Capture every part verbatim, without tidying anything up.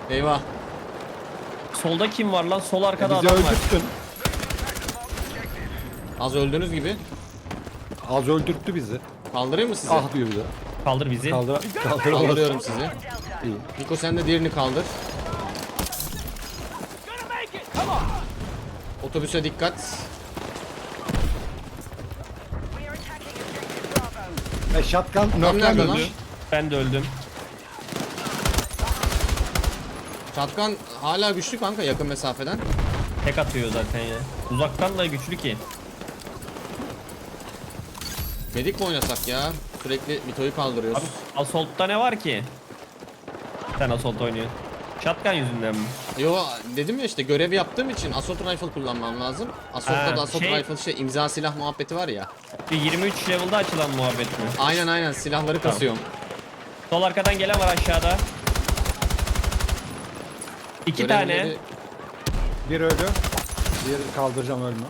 Eyvah. Solda kim var lan? Sol arkada Bizi adam var. öldürttün. Az öldüğünüz gibi. Az öldürttü bizi. Kaldırayım mı sizi? Ah diyor bir de. Kaldır bizi. Kaldır. Kaldır. Kaldırıyorum sizi. İyi. Niko sen de diğerini kaldır. Otobüse dikkat. E shotgun nerede lan? nöklenmemiş. Ben de öldüm. Çatkan hala güçlü kanka yakın mesafeden. Tek atıyor zaten ya. Uzaktan da güçlü ki. Medik mi oynasak ya? Sürekli Mito'yu kaldırıyoruz. Abi Assault'ta ne var ki? Sen Assault oynuyorsun. Shotgun yüzünden mi? Yo dedim ya işte görev yaptığım için Assault Rifle kullanmam lazım. Assault'ta Ha, da Assault şey- Rifle şey imza silah muhabbeti var ya. Bir yirmi üç level'da açılan muhabbet mi? Aynen aynen silahları kasıyorum. Sol arkadan gelen var aşağıda. İki tane. Görevleri- Bir ölü. Bir kaldıracağım ölme.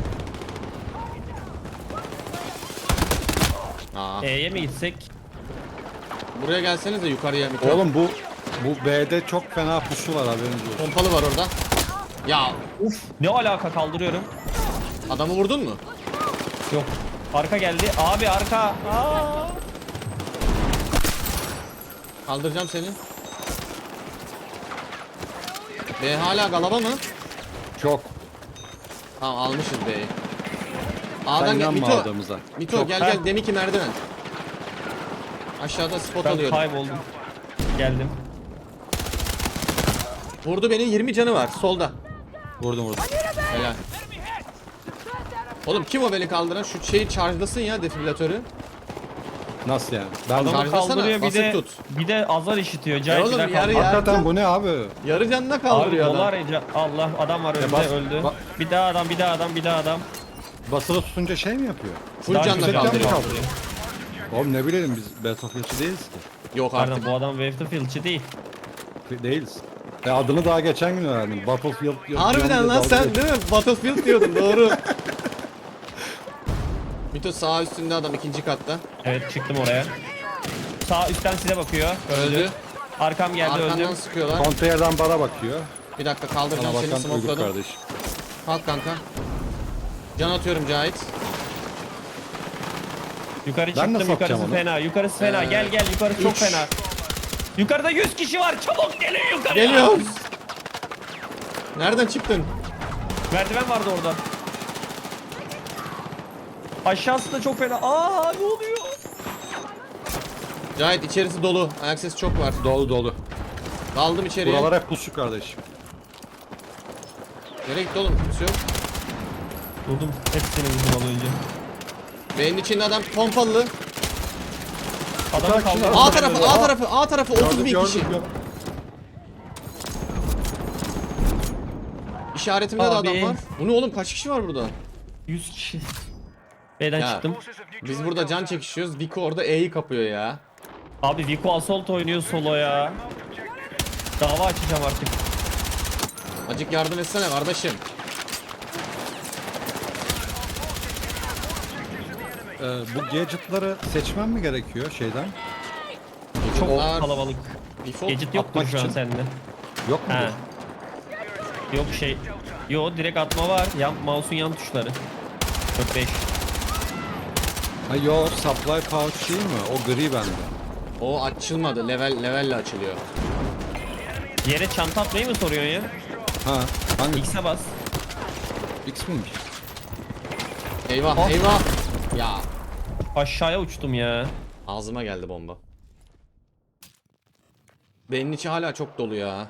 Aa, E'ye mi gitsek? buraya gelseniz de yukarıya Mito. Oğlum bu bu B'de çok fena pusu var haberiniz olsun. Pompalı var orada. Ya Uf. Ne alaka, kaldırıyorum. adamı vurdun mu? Yok. Arka geldi. Abi arka. Aa. Kaldıracağım seni. B hala galaba mı? Çok. Tamam almışız B'yi. Sen A'dan gel inanma Mito. adamıza. Mito Çok. gel Ha. gel deminki merdiven. Aşağıda spot Ben alıyorum. kayboldum. Geldim. Vurdu beni, yirmi canı var solda. Vurdum vurdum. Helal. Oğlum kim o beni kaldıran? Şu şeyi charge'lasın ya defibrilatörü. Nasıl yani? Ben Adamı Charge'lasana, kaldırıyor, bir basıp de tut. bir de azar işitiyor. Ya Cahil oğlum, bir yarı kaldı. ya. hakikaten bu ne abi? Yarı canına Abi kaldırıyor dolar adam. ya- Allah, adam var önünde, bas- öldü. ba- Bir daha adam, bir daha adam, bir daha adam. Basılı tutunca şey mi yapıyor? Full Daha canla güzel kaldırıyor. kaldırıyor. Oğlum ne bileyim biz Battlefield'çi değiliz ki. Yok artık. Pardon, bu adam Battlefield'çi değil. Değiliz. E adını daha geçen gün öğrendim. Battlefield. diyor- Harbiden diyor lan diye sen dalga değil mi? Battlefield diyordun doğru. Mito sağ üstünde adam ikinci katta. Evet, çıktım oraya. Sağ üstten size bakıyor. Öldü. Arkam geldi, Arkandan öldüm. sıkıyorlar. Konteynerden bana bakıyor. Bir dakika Bana kaldıracağım seni bakan uyduk smokeladım. kardeş. Kalk kanka. Can atıyorum Cahit. Yukarı Ben çıktım, nasıl yukarısı atacağım onu? fena, yukarısı fena. Ee, Gel gel, yukarı çok üç. fena. Yukarıda yüz kişi var, çabuk gelin yukarıya. Geliyoruz. Nereden çıktın? Merdiven vardı orada. Aşağısı da çok fena. Aa, ne oluyor? Cahit içerisi dolu. Ayak sesi çok var. Dolu dolu. Daldım içeriye. Buralar hep pusu kardeşim. Nereye gitti oğlum? Kimse yok. Durdum. Hepsini vurdum az önce. Benim içinde adam pompalı. Adamı Bak şimdi- kaldırdım. A tarafı, A tarafı, A tarafı otuz bin Gördüm, kişi. gördüm. İşaretimde de Abi. adam var. Bu ne oğlum? Kaç kişi var burada? yüz kişi. B'den Ya. çıktım. Biz burada can çekişiyoruz. Vico orada E'yi kapıyor ya. Abi Vico Assault oynuyor solo ya. Dava açacağım artık. Acık yardım etsene kardeşim. Ee, bu gadget'ları seçmem mi gerekiyor şeyden? Çok Bunlar kalabalık. default Gadget yoktur atmak şu an için. sende. Yok mu? He. Yok şey. Yo, direkt atma var. Yan, mouse'un yan tuşları. dört beş. Ha yo, supply pouch değil mi? O gri bende. O açılmadı. Level levelle açılıyor. Yere çanta atmayı mı soruyorsun ya? Ha, hangi? X'e bas. X miymiş? Eyvah, Ah. eyvah. Ya Aşağıya uçtum ya. ağzıma geldi bomba. Beynin içi hala çok dolu ya.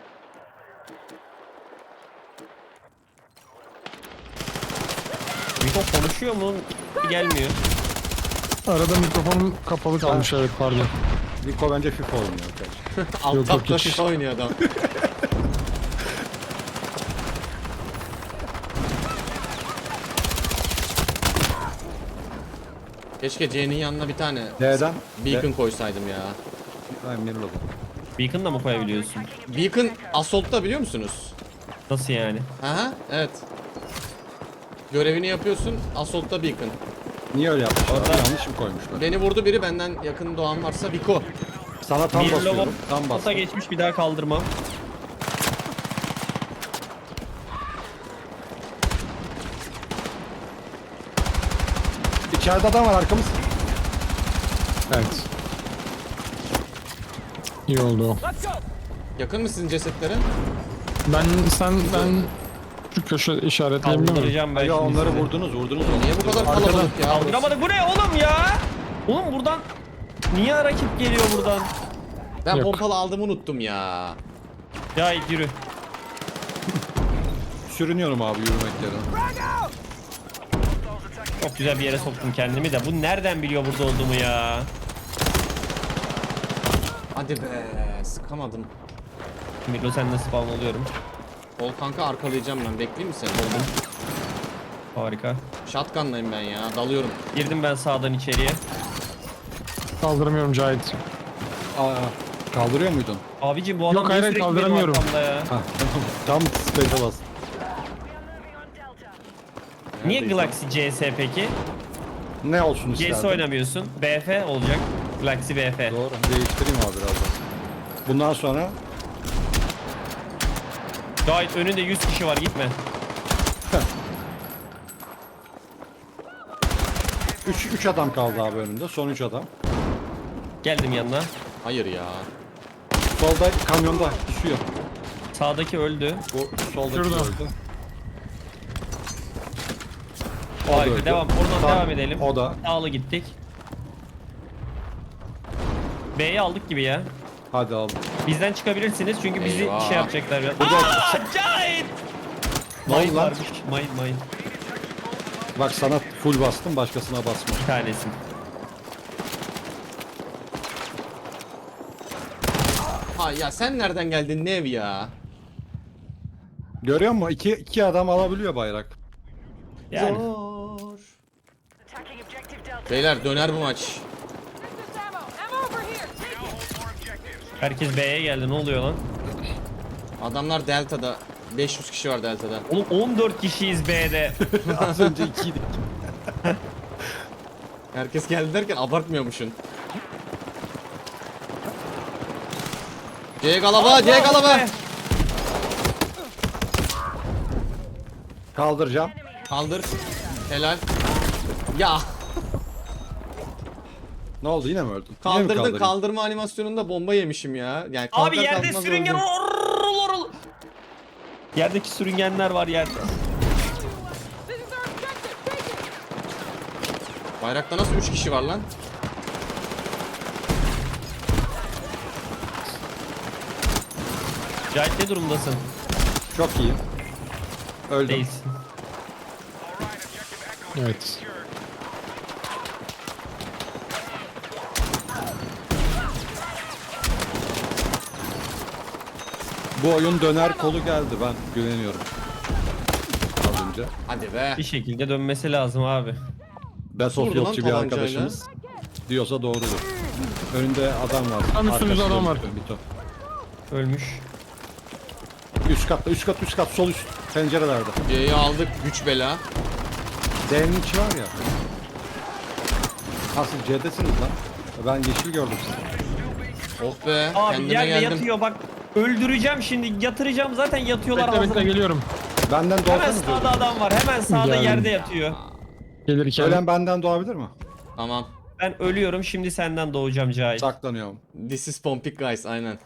Vico konuşuyor mu? Gelmiyor. Arada mikrofonum kapalı kalmış, evet pardon. Rico bence FIFA oynuyor kardeşim. Alt yok, tapta hiç. FIFA oynuyor adam. Keşke C'nin yanına bir tane D'den? beacon koysaydım ya. Ay mirror'ladım. Beacon da mı koyabiliyorsun? Beacon Assault'ta biliyor musunuz? Nasıl yani? Aha, evet. Görevini yapıyorsun, Assault'ta Beacon. Niye öyle yapmışlar? Orada- Yanlış mı koymuşlar? Beni vurdu biri, benden yakın doğan varsa Vico. Sana tam Bir basıyorum. lobo Tam ota bastım. geçmiş, bir daha kaldırmam. İçeride adam var arkamız. Evet. İyi oldu o. Yakın mı sizin cesetlere? Ben sen ben şu köşe işaretleyebilir miyim? Kaldıracağım ben Ya şimdi onları sizi. vurdunuz vurdunuz. onu. Niye bu kadar Arkadan. kalabalık ya? Kaldıramadık. Bu ne oğlum ya? Oğlum buradan niye rakip geliyor buradan? Ben Yok. pompalı aldığımı unuttum ya. Ya yürü. Sürünüyorum abi yürümek yerine. Çok güzel bir yere soktum kendimi de. Bu nereden biliyor burada olduğumu ya? Hadi be, sıkamadım. Milo sen nasıl spawn oluyorum? Ol kanka, arkalayacağım ben. Bekleyeyim mi seni? Oldum. Harika. Shotgun'layım ben ya, dalıyorum. Girdim ben sağdan içeriye. Kaldıramıyorum Cahit. Aa, kaldırıyor muydun? Abicim bu adam Yok, niye hayır, sürekli benim kaldıramıyorum. arkamda ya? Ha, tam space'e bastım. Niye Neredeyse. Galaxy C S peki? Ne olsun C S isterdin? oynamıyorsun. B F olacak. Galaxy B F. Doğru. Değiştireyim abi birazdan. Bundan sonra Gayet önünde yüz kişi var, gitme. üç adam kaldı abi önünde. Son üç adam. Geldim yanına. Hayır ya. Solda kamyonda düşüyor. Sağdaki öldü. Bu soldaki Şurada. öldü. O da harika. öldü. Devam. Oradan Tamam, devam edelim. o da. Sağlı gittik. B'yi aldık gibi ya. Hadi aldım. Bizden çıkabilirsiniz çünkü bizi Eyvah. şey yapacaklar biraz. Burada- Aaa! Cahit! Ne oldu Mayın lan? varmış. Mayın mayın. Bak sana full bastım başkasına basma. Bir tanesi. Ha ya, sen nereden geldin Nev ya? Görüyor musun? İki, iki adam alabiliyor bayrak. Yani. Zor. Beyler, döner bu maç. Herkes B'ye geldi. Ne oluyor lan? Adamlar Delta'da. beş yüz kişi var Delta'da. Oğlum on dört kişiyiz B'de. Az önce ikiydik. Herkes geldi derken abartmıyormuşsun. C galaba, C galaba. Kaldıracağım. Kaldır. Helal. Ya, Ne oldu yine mi öldün? Yine mi kaldırdın, kaldırayım? kaldırma animasyonunda bomba yemişim ya. Yani Abi kalkar yerde kalkmaz sürüngen öldüm. orul orul. Yerdeki sürüngenler var yerde. Bayrakta nasıl üç kişi var lan? Cahit ne durumdasın? Çok iyi. Öldüm. Değilsin. Evet. Bu oyun döner kolu geldi ben güveniyorum. Az önce. Hadi be. Bir şekilde dönmesi lazım abi. Best of Vurdu lan Yolcu bir tabancayla. arkadaşımız diyorsa doğrudur. Önünde adam var. Tam üstümüzde Arkasında adam var. bir ton. Ölmüş. Üst katta, üst kat, üst kat, sol üst pencerelerde. C'yi aldık, güç bela. D'nin içi var ya. Asıl C'desiniz lan. Ben yeşil gördüm sizi. Oh be, Abi kendime yerde geldim. yatıyor bak. Öldüreceğim şimdi. Yatıracağım zaten yatıyorlar. Bekle bekle hazır. geliyorum. Benden Hemen doğarsanız sağda öldüm. adam var. Hemen sağda Geldim. yerde yatıyor. Gelirken. Ölen benden doğabilir mi? Tamam. Ben ölüyorum. Şimdi senden doğacağım Cahit. Saklanıyorum. This is Pompik guys, aynen.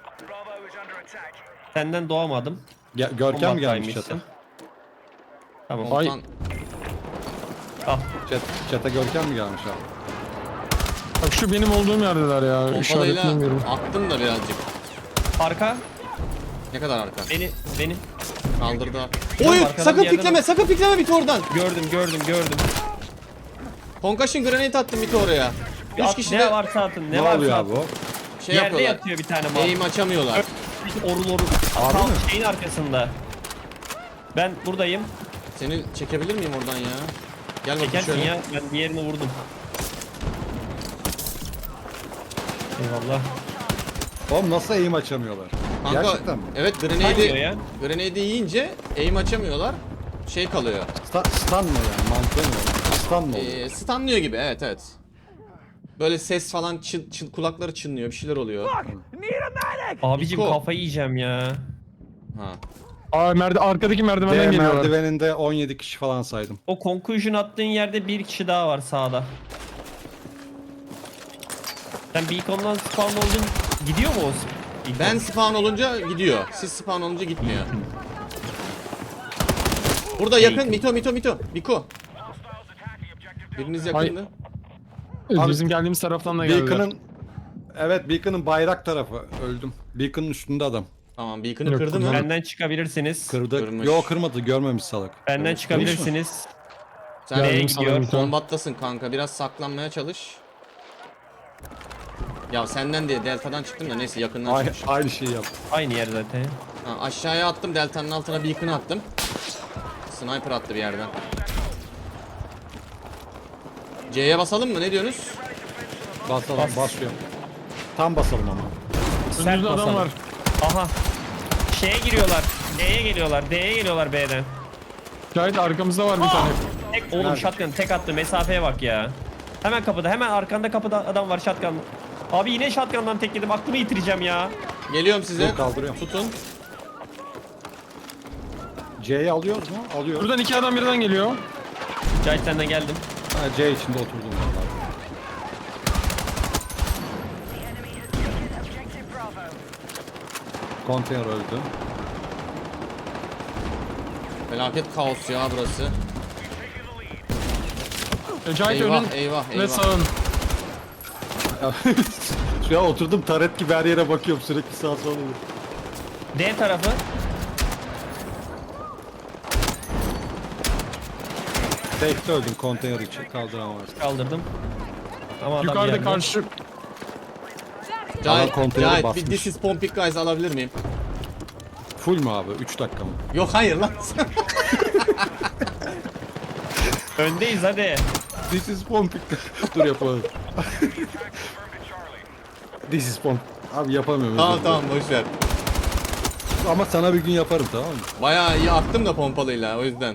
Senden doğamadım. Ge- Görkem gelmiş Kombattaymışsın. çata. Tamam. Ay. Komutan, Al. Chat, çata Görkem mi gelmiş abi? Bak şu benim olduğum yerdeler ya. pompalayla İşaretleyemiyorum. attım da birazcık. Arka. Ne kadar arka? Beni. Beni. Kaldırdı. Oğlum, Oy, arkadan sakın bir yerden pikleme, at. sakın pikleme bit oradan. Gördüm gördüm gördüm. Concussion grenade attım bit oraya. Üç At, kişi ne de varsa atın. Ne, Ne, varsa oluyor atın. abi o? şey Yerde yapıyorlar. yatıyor bir tane mal. Aim açamıyorlar. Orul orul. Abi Tam mi? şeyin arkasında. Ben buradayım. Seni çekebilir miyim oradan ya? Gel bakayım Çekersin şöyle. ya. Ben diğerini vurdum. Eyvallah. Oğlum nasıl eğim açamıyorlar? Kanka, Gerçekten mi? evet, Kaymıyor grenade'i ya. grenade'i yiyince aim açamıyorlar. Şey kalıyor. Sta- stun mı yani? Mantığı mı? Stun mı oluyor? Ee, stunlıyor gibi, evet evet. Böyle ses falan çın, çın, kulakları çınlıyor, bir şeyler oluyor. Abicim Niko. kafayı yiyeceğim ya. Ha. Aa merde arkadaki merdivenden D geliyorlar. merdiveninde on yedi kişi falan saydım. O conclusion attığın yerde bir kişi daha var sağda. Sen beacon'dan spawn oldun. Gidiyor mu o beacon? Ben spawn olunca gidiyor. Siz spawn olunca gitmiyor. Burada yakın. Mito, Mito, Mito. Biko. Biriniz yakındı. Ee, Abi, Bizim geldiğimiz taraftan da geldiler. Beacon'ın evet Beacon'ın bayrak tarafı öldüm. Beacon'ın üstünde adam. Tamam, beacon'ı Yok, kırdı mı? kullanmadım. Benden çıkabilirsiniz. Kırdı. Kırmış. Yo kırmadı görmemiş salak. Benden Kırmış. çıkabilirsiniz. Sen B'ye Geldim gidiyor. sanırım. kombattasın kanka. Biraz saklanmaya çalış. Ya senden diye delta'dan çıktım da neyse yakından Aynı, çıkmış. aynı şeyi yaptı. Aynı yer zaten. Ha, aşağıya attım, delta'nın altına beacon attım. Sniper attı bir yerden. C'ye basalım mı? Ne diyorsunuz? Basalım Bas. basıyorum. Tam basalım ama. Sert Önümüzde adam basalım. var. Aha. Şeye giriyorlar. D'ye geliyorlar. D'ye geliyorlar B'den. Cahit arkamızda var bir tane. Tek, oğlum Nerede? shotgun tek attı. Mesafeye bak ya. Hemen kapıda. Hemen arkanda kapıda adam var shotgun. Abi yine shotgun'dan tek yedim. Aklımı yitireceğim ya. Geliyorum size. Dur, kaldırıyorum. Tutun. C'yi alıyoruz mu? Alıyoruz. Buradan iki adam birden geliyor. Cahit senden geldim. Ha, C içinde oturdum vallahi. Konteyner öldü. Felaket kaos ya burası. E, Cahit Eyvah, önün eyvah, ve eyvah. sağın. Şu an oturdum taret gibi her yere bakıyorum sürekli sağa sola. D tarafı. Tekte öldüm konteyner için kaldıramaz. Kaldırdım. Ama adam Yukarıda yerde. karşı. Cahit, konteyneri Cahit bir basmış. this is Pompik Guys alabilir miyim? Full mu abi? üç dakika mı? Yok hayır lan. Öndeyiz hadi. This is Pompik. Dur yapalım. This is Pompik. Abi yapamıyorum. tamam özür dilerim. tamam boşver. Ama sana bir gün yaparım tamam mı? Bayağı iyi attım da pompalıyla o yüzden.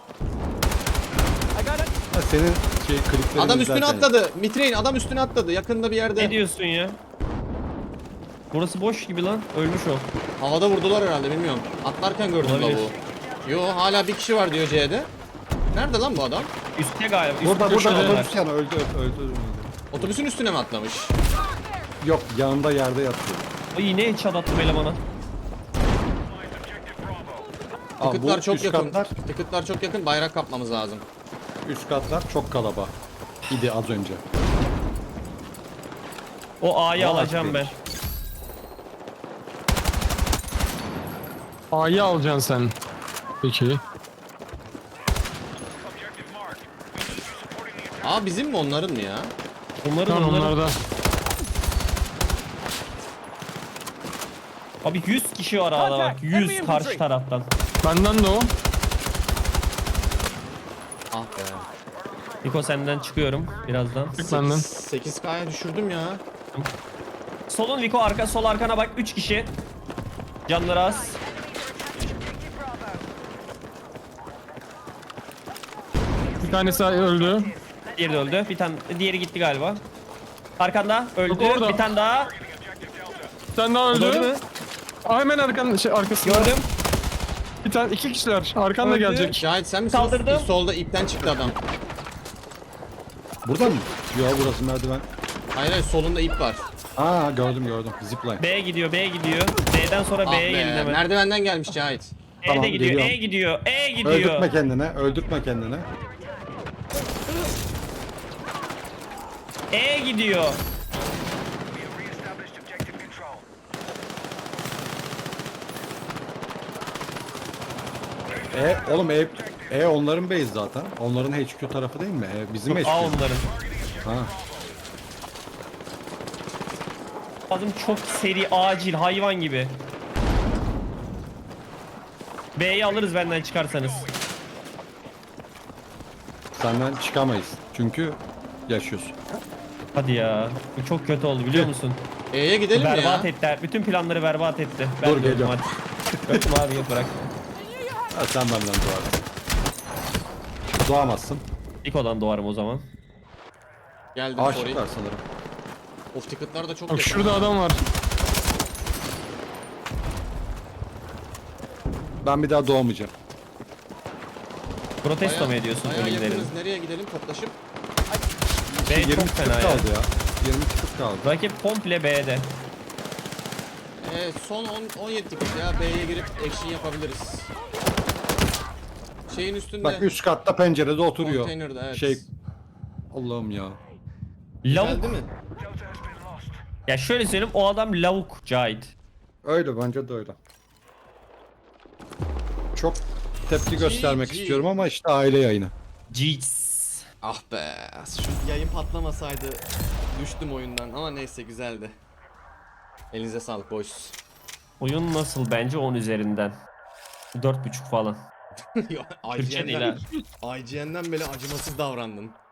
Ha, senin şey kliplerini Adam üstüne izlerken- atladı. Mitrein adam üstüne atladı. Yakında bir Ne yerde. diyorsun ya? Burası boş gibi lan. Ölmüş o. Havada vurdular herhalde bilmiyorum. Atlarken gördüm Olabilir. lavuğu. Yo hala bir kişi var diyor C'de. Nerede lan bu adam? Üstte galiba. Üst Burada burada köşedeler. otobüs yani öldü öldü. öldü, öldü. Otobüsün üstüne mi atlamış? Yok yanında yerde yatıyor. O yine headshot attım elemana. Aa, Tıkıtlar bu çok üst yakın. Katlar, Tıkıtlar çok yakın. Bayrak kapmamız lazım. üst katlar çok kalaba. İdi az önce. O A'yı Vallahi alacağım ben. güzelmiş. A'yı alacaksın sen. Peki. Aa bizim mi onların mı ya? Onların Tamam onların. onlar da. Abi yüz kişi var A'da bak. yüz karşı taraftan. Benden de o. Ah be. Niko senden çıkıyorum birazdan. Çık benden. sekiz K'ya düşürdüm ya. Solun Niko arka sol arkana bak üç kişi. Canları az. Bir tanesi öldü. Diğeri de öldü. Bir tane diğeri gitti galiba. Arkanda öldü. Yok, orada. Bir tane daha. Bir tane daha O da öldü öldü. mü? Aa, hemen arkan şey arkasında. Gördüm. Bir tane iki kişiler. Arkanda Öldü. gelecek. Cahit sen misin? Kaldırdım. Solda ipten çıktı adam. Burada mı? Yok burası merdiven. Hayır hayır solunda ip var. Aa gördüm gördüm. Zipline. B'ye gidiyor, B'ye gidiyor. B'den sonra Ah B'ye be. gelin hemen. Merdivenden gelmiş Cahit. E Tamam, de gidiyor, geliyorum. E gidiyor, E gidiyor. Öldürtme kendine. Öldürtme kendine. E gidiyor. E oğlum E, E onların base zaten. Onların H Q tarafı değil mi? E, bizim H Q. A onların. Ha. Lazım çok seri, acil, hayvan gibi. B'yi alırız benden çıkarsanız. Senden çıkamayız. Çünkü yaşıyorsun. Hadi ya. Bu çok kötü oldu biliyor musun? E'ye gidelim mi ya? Berbat ettiler. Bütün planları berbat etti. Ben Dur, de öldüm geliyorum. hadi. Öptüm abi yok bırak. Ha, sen benden doğarsın. Doğamazsın. Niko'dan doğarım o zaman. Geldim sorry. Aşıklar sanırım. Of ticket'lar da çok Bak yakın. şurada adam var. Ben bir daha doğmayacağım. Protesto mu Bayağı- ediyorsun bayağı ölümlerin? yakınız. Nereye gidelim toplaşıp? B yirmi çok ticket fena ya. kaldı ya. yirmi ticket kaldı. Rakip komple B'de. Ee, son on, on yedi ticket ya. B'ye girip action yapabiliriz. Şeyin üstünde. Bak üst katta pencerede oturuyor. Konteynerda, evet. Şey Allah'ım ya. Lavuk. Geldi mi? Ya şöyle söyleyeyim, o adam lavuk Cahit. Öyle bence de öyle. Çok tepki göstermek G G. istiyorum ama işte aile yayını. Jeez. Ah be. Şu yayın patlamasaydı düştüm oyundan ama neyse güzeldi. Elinize sağlık boys. Oyun nasıl bence on üzerinden. dört buçuk falan. Yo, Türkçe değil I G N'den, ha. I G N'den bile acımasız davrandın.